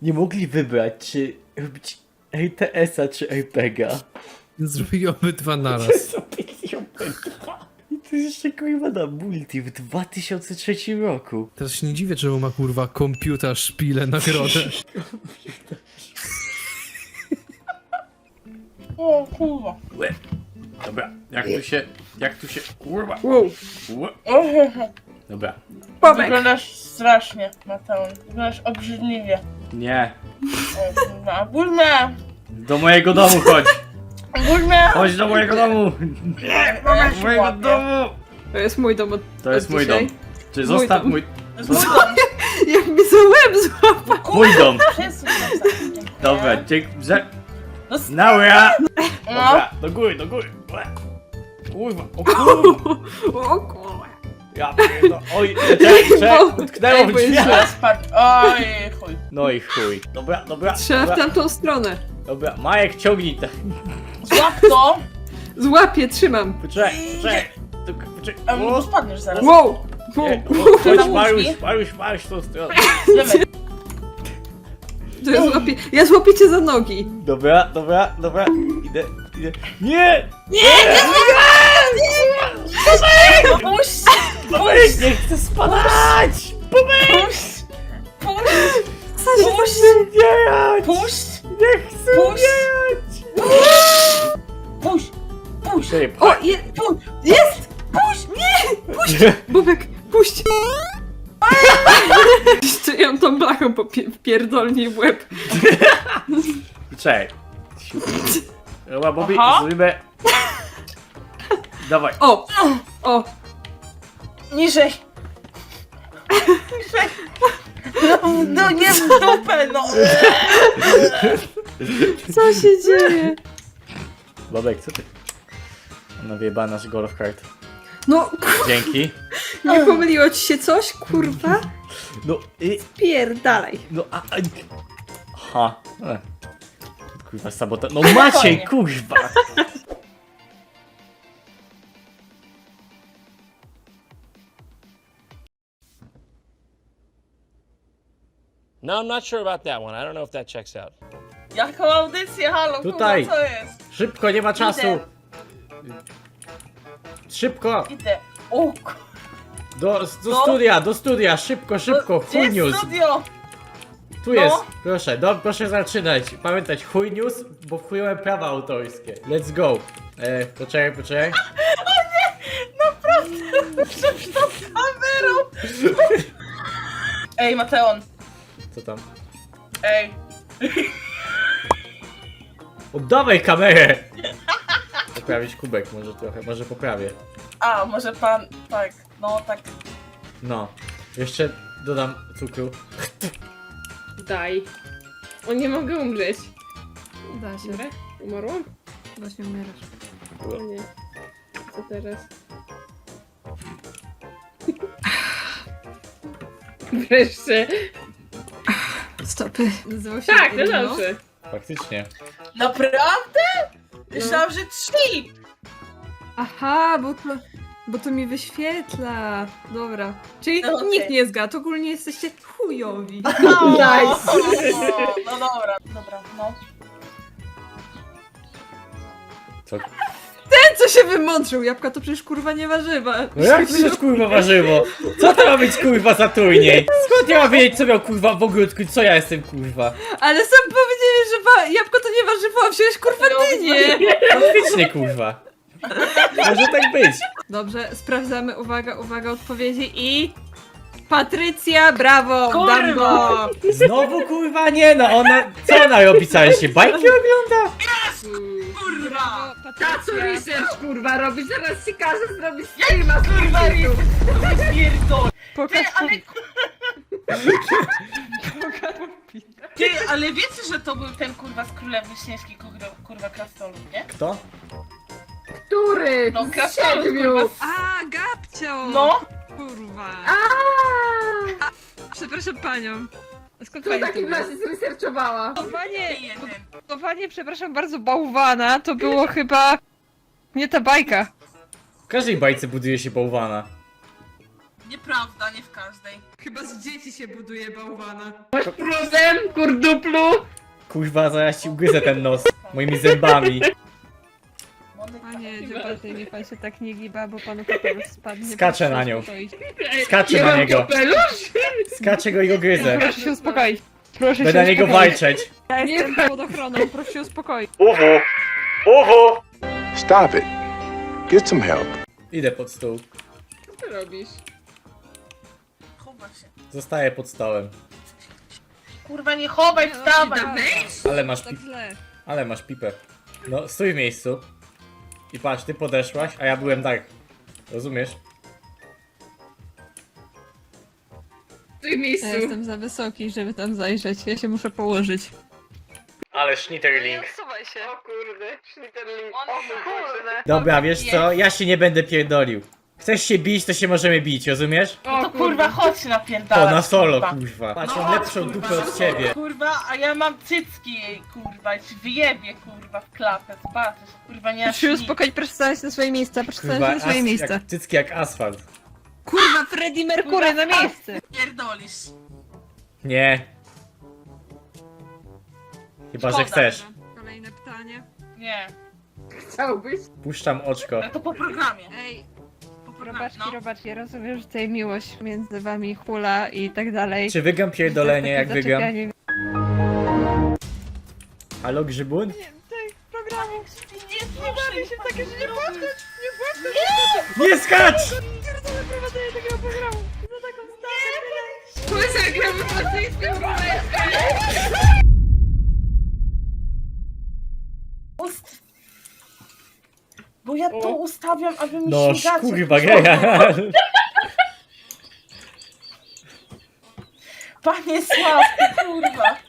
nie mogli wybrać, czy robić RTS-a czy RPGa. Zrobili obydwa naraz. Zrobili obydwa. I to jest jeszcze kurwa na multi w 2003 roku. Teraz się nie dziwię, czemu ma kurwa komputer szpilę nagrodę. O kurwa. Łe. Dobra, jak tu się, kurwa. Wow. Łe. Dobra, Wyglądasz strasznie, Mateusz. Wyglądasz obrzydliwie. nie. O kurwa. Burma! Do mojego domu chodź. Burma! Chodź do mojego domu. Mama Do się mojego łapie. domu. To jest mój dom od To jest od mój dzisiaj. dom. Czy zostaw dom. mój... To jest mój dom. Jak mi za łeb złapał. Mój dom. Przesuń się za- dziękuję. Dobra, dziękuję. No, Naura. no. Dobra, do góry. Łe. Kurwa, o kurwa. O kurwa. Ja pierdolę. Oj, utknęło w Ej, bo jest drzwiach. źle. Spadł. Oj, chuj. No i chuj. Dobra. Trzeba w Dobra, tamtą stronę. dobra. Majek, ciągnij to. Złap to. Złapię, trzymam. Poczekaj. A bo spadniesz zaraz. Wow. Nie, Wow. Chodź, Tam Mariusz, tą stronę. Wiemy. To ja złapię cię za nogi. Dobra. Idę. Nie! Puść! Pomyśl, nie chcę spadać! Puść! Puść! Co się Puść! Umierać! Puść! Nie chcę Puść! umierać! Puść! Puść! Czekaj, O, Puść! jest! Puść! Nie! Puść! Bubek, puść! Jeszcze ją tą blachą pierdolnij w łeb. Czekaj. Dobra, Bobby, Aha. zrobimy... Dawaj. O! O! Niżej! Niżej! No nie w dupę, no! Co się dzieje? Bobek, co ty? Ona wyjebała nasz golf kart. No, Dzięki. nie pomyliło ci się coś, kurwa? No i... Pierdalaj. No a... Aha. Kurwa, sabota... No Maciej, kurwa! No, I'm not sure about that one. I don't know if that checks out. Jaką audycję, halo, Tutaj. kurwa, co jest? Szybko, nie ma czasu! Idę. Szybko! Idę. O, Do No. studia, szybko, gdzie chuj jest news! studio? Tu No. jest, proszę, proszę zaczynać. Pamiętać, chuj news, bo wchują prawa autorskie. Let's go. Poczekaj. Naprawdę, przed tą kamerą! Ej, Mateon, Co tam? ej. Oddawaj kamerę! Poprawić kubek może trochę, może poprawię. A, może pan, tak, no tak. No. Jeszcze dodam cukru. Daj. O, nie mogę umrzeć. Da się. Dobra? Umarłam? Właśnie umierasz. O nie. Co teraz? Wreszcie. Stopy. Nazywał się Tak, no Irino. dobrze. Faktycznie. Naprawdę? Myślałam, że 3! Aha, bo to mi wyświetla. Dobra. Czyli No okej. nikt nie zgadł, ogólnie jesteście chujowi. Nice. No dobra, no. Co? Ten, co się wymądrzył, jabłka to przecież kurwa nie warzywa. No jak to jest kurwa warzywo? Co to ma być kurwa za turniej? Skąd ja mam wiedzieć co miał kurwa w ogródku? Co ja jestem kurwa? Ale sam powiedziałeś, że jabłko to nie warzywo, a wziąłeś kurwa dynię. Faktycznie kurwa. Może tak być. Dobrze, sprawdzamy, uwaga, odpowiedzi i... Patrycja, brawo, Kurwa. Dambo! Znowu kurwa nie no, co ona robi całe się? Bajki ogląda? Kurwa! Co research kurwa robisz? Zaraz ci każę zrobić Kurwa, pierdol! Pokaż, Ty, ale wiecie, że to był ten kurwa z Królewny Śnieżki, kurwa krasnolud, nie? Kto? Który? No krasnolud, kurwa. A, Gabcio! No! Kurwa. A, Przepraszam panią. Skąd to pani w to takim wie? razie zresearchowała. Budowanie, przepraszam bardzo, bałwana to było chyba... Nie ta bajka. W każdej bajce buduje się bałwana. Nieprawda, nie w każdej. Chyba z dzieci się buduje bałwana. Pruzem, kurduplu! Kurwa, zaraz ci ugryzę ten nos moimi zębami. Panie Dziobaty, niech pan się tak nie giba, bo panu kapelusz spadnie. Skaczę Proszę na się nią. uspokoić. Skaczę na niego. Skaczę go i go gryzę. Proszę się uspokoić. Proszę Będę się na niego uspokoić. walczyć. Ja jestem pod ochroną, proszę się uspokoić. Uwu! Uwu! Stop it. Get some help. Idę pod stół. Co ty robisz? Chowa się. Zostaję pod stołem. Kurwa, nie chowaj, wstawaj! Ale masz Tak pipę. źle. Ale masz pipę. No, stój w miejscu. I patrz, ty podeszłaś, a ja byłem tak. Rozumiesz? W tym miejscu. Ja jestem za wysoki, żeby tam zajrzeć. Ja się muszę położyć. Ale Schnitterling. Wsuwaj się. O kurde, Schnitterling. O kurde. Dobra, wiesz co? Ja się nie będę pierdolił. Chcesz się bić, to się możemy bić, rozumiesz? No to kurwa, chodź na O, pierdala. na solo, kurwa. Patrz, No mam chodź, lepszą kurwa, dupę od ciebie. Kurwa, a ja mam cycki jej, kurwa, i ci wyjebie, kurwa, w klapę, zobaczysz, kurwa, nie Proszę się aż nic. uspokoić, proszę stanąć na swoje miejsce, proszę stanąć Kurwa, na swoje miejsce. jak, cycki jak asfalt. Kurwa, Freddie Mercury na miejsce! Pierdolisz. Nie. Chyba, że Szkoda. chcesz. Kolejne pytanie. Nie, Chciałbyś? Puszczam oczko. ale to po programie. Ej, Po programie, robaczki, no. robaczki, ja rozumiem, że tutaj miłość między wami hula i tak dalej. Czy wygram pierdolenie, jak Takie wygram? zaczepianie Halo, Grzybun? tych programów. Nie bawię się takie, że nie płacę. Nie skacz! Pierdolę prowadzenie takiego programu. Za taką stawę. Słyszę, gramy w rosyjskim Bo ja to ustawiam, aby mi No, śmigacze kurwa, wychodziły. geja. Panie Sławku, kurwa.